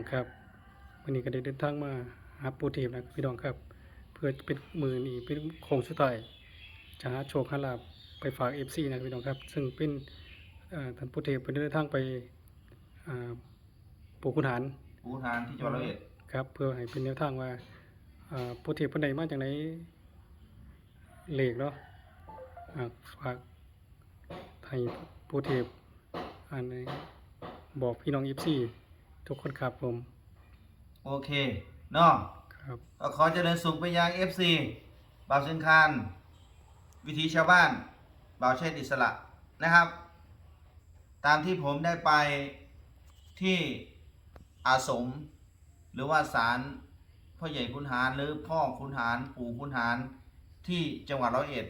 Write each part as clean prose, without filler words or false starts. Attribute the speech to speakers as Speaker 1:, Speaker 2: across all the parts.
Speaker 1: ครับวันนี้ก็ได้เดินทางมาหาปู่เทพนะพี่น้องครับเพื่อเป็นมือนี่เป็นโค้งสุดท้ายจะหาโชคหาลาภไปฝากFCนะพี่น้องครับซึ่งเป็นท่านปู่เทพเป็นเดินทางไปอ่าปู่ขุนหาร
Speaker 2: ปูทานที่จังหวัดร้อยเอ็ด
Speaker 1: ครับเพื่อให้เป็นแนวทางว่าปู่เทพเพิ่นได้มาจากไหนเลขเนาะฝากให้ปู่เทพอันนี้บอกพี่น้อง FC ทุกคนครับผม
Speaker 2: โอเคเนาะ
Speaker 1: ครับ
Speaker 2: ก็ขอเจริญสุขไปยัง FC บ่าวเชิงคานวิถีชาวบ้านบ่าวเชษฐ์อิสระนะครับ ตามที่ผมได้ไปที่อาสมหรือว่าศาลพ่อใหญ่ขุนหารหรือพ่อขุนหารปู่ขุนหารที่จังหวัดร้อยเอ็ด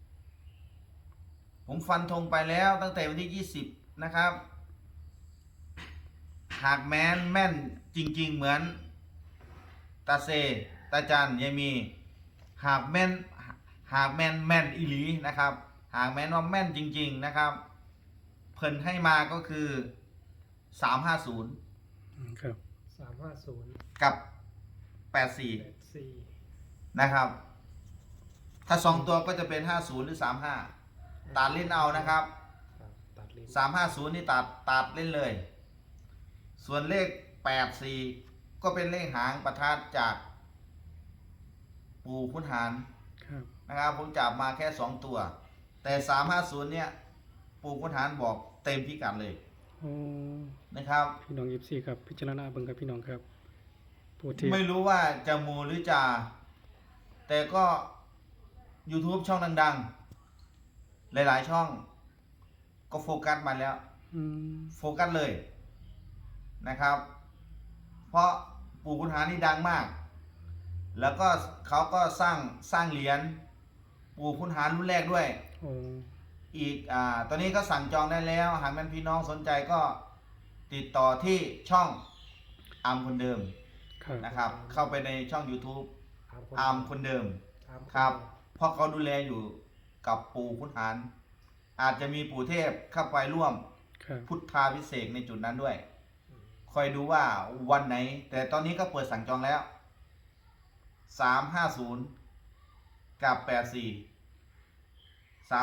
Speaker 2: ผมฟันธงไปแล้วตั้งแต่วันที่20นะครับหากแม่นจริงๆเหมือนตาเซตาจันยายมีหากแม่นอีหลีนะครับหากแม่นว่าแม่นจริงๆนะครับเพิ่นให้มาก็คือ350
Speaker 1: ครับ
Speaker 3: 350
Speaker 2: กับ84
Speaker 3: 84
Speaker 2: นะครับถ้า2ตัวก็จะเป็น50หรือ35ตัดเล่นเอานะครับ
Speaker 3: ตัดเลน
Speaker 2: 350นี่ตัดเล่นเลยส่วนเลข84ก็เป็นเลขหางประทัดจากปู่ขุนหาร
Speaker 1: ครับ
Speaker 2: นะครับผมจับมาแค่2ตัวแต่350เนี่ยปู่ขุนหารบอกเต็มพิกัดเลย
Speaker 1: โอ้
Speaker 2: นะครับ
Speaker 1: พี่น้อง24ครับพิจารณาเบิ่งครับพี่น้องครับปู่เทพ
Speaker 2: ไม่รู้ว่าจะมูหรือจะแต่ก็ YouTube ช่องดังๆหลายๆช่องก็โฟกัสมาแล้วโฟกัสเลยนะครับ เพราะปู่ขุนหารนี่ดังมากแล้วก็เขาก็สร้างเหรียญปู่ขุนหารรุ่นแรกด้วยอีกตอนนี้ก็สั่งจองได้แล้วหากแม่นพี่น้องสนใจก็ติดต่อที่ช่องอาร์มคนเดิมนะครับเข้าไปในช่อง YouTube อาร์มคนเดิมครับเพราะเขาดูแลอยู่กับปู่ขุนหารอาจจะมีปู่เทพเข้าไปร่วมพุทธาพิเศษในจุดนั้นด้วยคอยดูว่าวันไหนแต่ตอนนี้ก็เปิดสั่งจองแล้ว350กับ84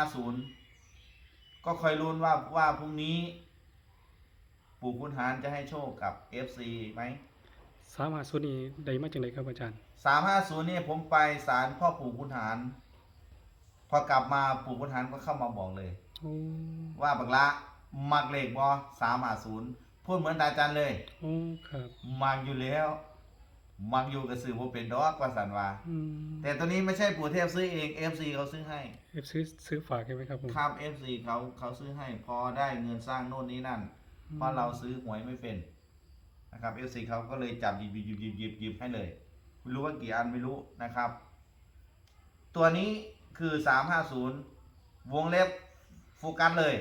Speaker 2: 3550ก็คอยลุ้นว่าพรุ่งนี้ปู่ขุนหารจะให้โชคกับ FC ไหม
Speaker 1: 350นี่ได้มาจากไหนครับอาจารย์
Speaker 2: 350นี่ผมไปศาลพ่อปู่ขุนหารพอกลับมาปู่ขุนหารก็เข้ามาบอกเลยว่าบักละมักเลขบ่350พูดเหมือนตาจันเลย
Speaker 1: ครับ
Speaker 2: มักอยู่แล้วมักอยู่กับสื่อบ่เป็นดอกว่าสันว่าแต่ตัวนี้ไม่ใช่ปู่เทพซื้อเอง FC เขาซื้อให้
Speaker 1: ซื้อฝากใช่ไหมครับผม
Speaker 2: ครับ FC เขาซื้อให้พอได้เงินสร้างโน่นนี้นั่นเพราะเราซื้อหวยไม่เป็นนะครับ FC เขาก็เลยจับหยิบให้เลยไม่รู้ว่ากี่อันไม่รู้นะครับตัวนี้คือ350วงเล็บโฟกัสเลย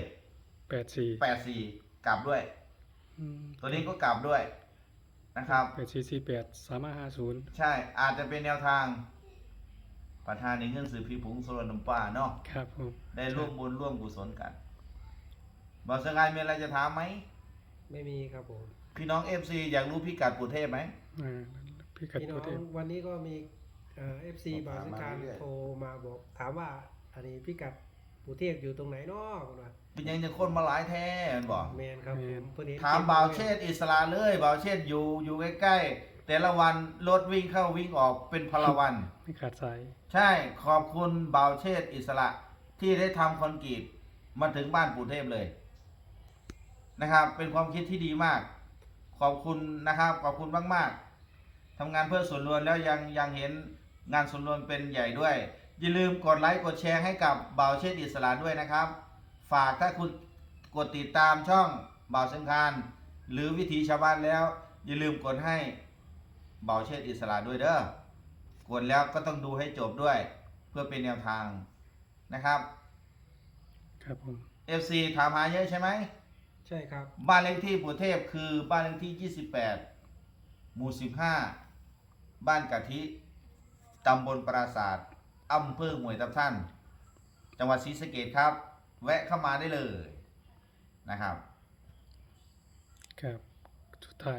Speaker 2: 84กลับด้วยตัวนี้ก็กลับด้วยนะครับ
Speaker 1: 8448 3550
Speaker 2: ใช่อาจจะเป็นแนวทางประธานในเงินสื่อพี่ผงโซลน้ำปลาเนาะ
Speaker 1: ครับผม
Speaker 2: ได้ร่วมบุญร่วมกุศลกันบอกสงายมีอะไรจะถามไหม
Speaker 3: ไม่มีครับผม
Speaker 2: พี่น้อง FC อยากรู้พิกัดปู่เทพไหม
Speaker 1: พิกัดปู่เทพ
Speaker 3: วันนี้ก็มีFC บ่าวเชิงคานโทรมาบอกถามว่าอันนี้พิกัดปู่เทพอยู่ตรงไหนเนาะ
Speaker 2: เป็นยังจะคนมาหลายแท้บอก
Speaker 3: แมนครับ
Speaker 2: ถามบ่าวเชษฐ์อิสระเลยบ่าวเชษฐ์อยู่ใกล้ๆแต่ละวันรถวิ่งเข้าวิ่งออกเป็นพลวัน
Speaker 1: ไม่ขาดสาย
Speaker 2: ใช่ขอบคุณบ่าวเชษฐ์อิสระที่ได้ทำคอนกรีตมาถึงบ้านปู่เทพเลยนะครับเป็นความคิดที่ดีมากขอบคุณนะครับขอบคุณมากๆทำงานเพื่อส่วนรวมแล้วยังเห็นงานส่วนรวมเป็นใหญ่ด้วยอย่าลืมกดไลค์กดแชร์ให้กับบ่าวเชษฐ์อิสระด้วยนะครับฝากถ้าคุณกดติดตามช่องบ่าวเชิงคานหรือวิถีชาวบ้านแล้วอย่าลืมกดให้บ่าวเชษฐ์อิสระด้วยเด้อกดแล้วก็ต้องดูให้จบด้วยเพื่อเป็นแนวทางนะครับ
Speaker 1: ครับผม
Speaker 2: FC ถามหาเยอะใช่ไหม
Speaker 3: ใช่ครับ
Speaker 2: บ้านเลขที่ปู่เทพคือบ้านเลขที่28หมู่15บ้านกะทิตำบลปราสาทอำเภอห้วยทับทันจังหวัดศรีสะเกษครับแวะเข้ามาได้เลยนะครับ
Speaker 1: ครับสุดท้าย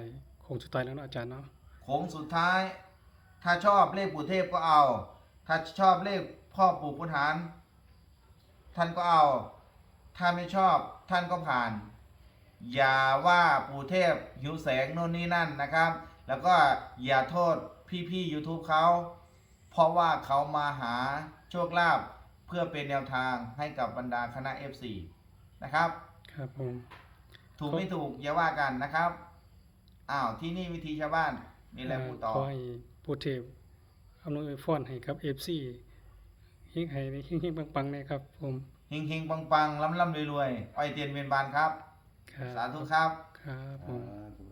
Speaker 1: โค้งสุดท้ายแล้วเนาะอาจารย์เนาะ
Speaker 2: โค้งสุดท้าย ถ้าชอบเลขปู่เทพก็เอา ถ้าชอบเลขพ่อปู่ขุนหารท่านก็เอา ถ้าไม่ชอบท่านก็ผ่าน อย่าว่าปู่เทพหิวแสงโน่นนี่นั่นนะครับ แล้วก็อย่าโทษพี่ๆ YouTube เขาเพราะว่าเขามาหาโชคลาภเพื่อเป็นแนวทางให้กับบรรดาคณะ FC นะครับ
Speaker 1: ครับผม
Speaker 2: ถูกไม่ถูกอย่าว่ากันนะครับ อ้าวที่นี่วิธีชาวบ้านมีอะไรพูดต่อ
Speaker 1: ขอให้ปู่เทพอำนวยพรให้กับ FC เฮงให้เฮงๆปังๆนะครับผม
Speaker 2: เฮงๆปังๆล้ำๆรวยๆอ้อยเตียนเวียนบานครับ
Speaker 1: ครับ
Speaker 2: สาธุครับ
Speaker 1: ครับผม
Speaker 4: อ่า